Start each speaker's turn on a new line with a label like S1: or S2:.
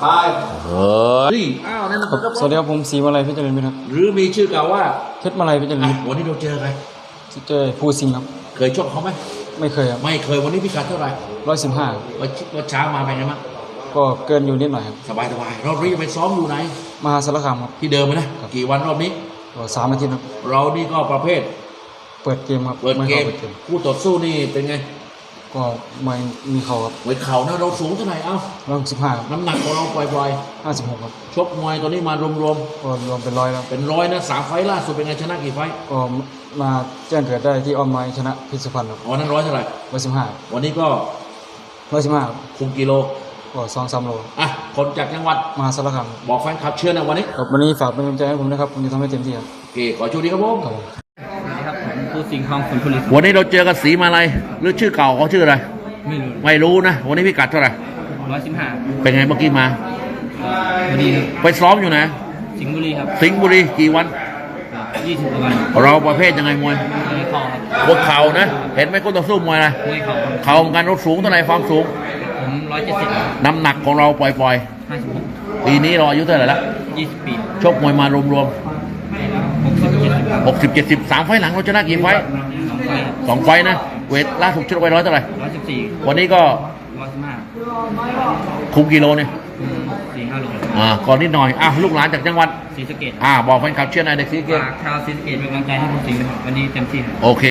S1: ไปนี่อ้าวนั่นนะครับ
S2: สวัสดีครับผมศรีมาลัยเพชรเจริญมิตรครับ
S1: หรือมีชื่อเก่าว่า
S2: เพชรมาลัยเพชรเจริญมิตร
S1: วันนี้เราเจอใคร
S2: เจอผู้สิงห์ครับ
S1: เคยชกเขาไหม
S2: ไม่เคยครับ
S1: ไม่เคยวันนี้พิกัดเท่าไหร่
S2: 115
S1: วันเช้ามาเป็นไงบ้าง
S2: ก็เกินอยู่นิดหน่อยครับ
S1: สบายเรารีบไปซ้อมอยู่ไหน
S2: มหาสารคามครับ
S1: ที่เดิมนะกี่วันรอบนี้
S2: ก็3 อาทิตย์ครับ
S1: เรานี่ก็ประเภท
S2: เปิดเกมครับ
S1: เปิดเกม
S2: เปิดเกม
S1: คู่ต่อสู้นี่เป็นไง
S2: ก็ไม่มีเขาครับ
S1: เวทเข่านะเราสูงเท่าไหร่เอ้า
S2: 115ครับ
S1: น้ำหนักของเราปล่อย
S2: 56ครับ
S1: ๆชกมวยตอนนี้มารวม
S2: ก็รวมเป็น100แล้ว
S1: ๆเป็นร้อยนะ3 ไฟล์ล่าสุดเป็นไงชนะกี่ไฟล์
S2: ก็มาแจ้งเกิดได้ที่ออมไม้ชนะพิษสุพรรณครับ
S1: วันนั้นร้อยเท่าไหร่
S2: 115
S1: วันนี้ก็
S2: 115ครับ
S1: คุมกิโล
S2: ก็2-3 โล
S1: อ่ะคนจากจังหวัด
S2: มหาสารคาม
S1: บอกแฟนคลับเชื่อนะวันนี้
S2: ครับวันนี้ฝากเป็นกำลังใจให้ผมนะครับผมจะทำให้เต็มที่ครับ
S1: โอเคขอโชคดีครับผม
S2: ครับผม
S3: สวัสดีครับผมผู้สิงห์ทองสุนทรี
S1: วันนี้เราเจอกับศรีมาลัยหรือชื่อเก่าเขาชื่ออะไร
S3: ไม่รู้
S1: ไม่รู้นะวันนี้พิกัดเท่าไหร่
S3: 115
S1: เป็นไงเมื่อกี้มา
S3: พอดีครับ
S1: ไปซ้อมอยู่นะ
S3: สิงห์บุรีครับ
S1: สิงห์บุรีกี่วัน
S3: 20กว่าวัน
S1: เราประเภทยังไงมวย
S3: มวยเข่าครับ
S1: บนเข่านะเห็นไหมคู่ต่อสู้มวยอะไร
S3: มวยเข่าครับ
S1: เข่าเหมือนกันเราสูงเท่าไหร่ความสูง
S3: ผม170
S1: น้ำหนักของเราปล่อย
S3: 56
S1: ๆปีนี้เราอายุเท่าไหร่ละ
S3: 20 ปี
S1: ชกมวยมารวม
S3: 60 70
S1: ๆ60 70 3 ไฟล์หลังเราชนะกี่ไฟล์
S3: 2 ไฟครับ
S1: 2 ไฟล์นะเวทล่าสุดชกไป100เท่าไหร่
S3: 114
S1: วันนี้ก็
S3: 115
S1: คุมกิโลเนี่ย
S3: 4-5 โล
S1: ก่อนนิดหน่อยลูกหลานจากจังหวัด
S3: ศรีสะเกษ
S1: บอกแฟนคลับเชียร์หนายเด็กศรีสะเกษ
S3: ฝากชาวศรีสะเกษเป็นกำลังใจให้ผู้สิงห์นะครับวันนี้เต็มที่ครับ
S1: โอเค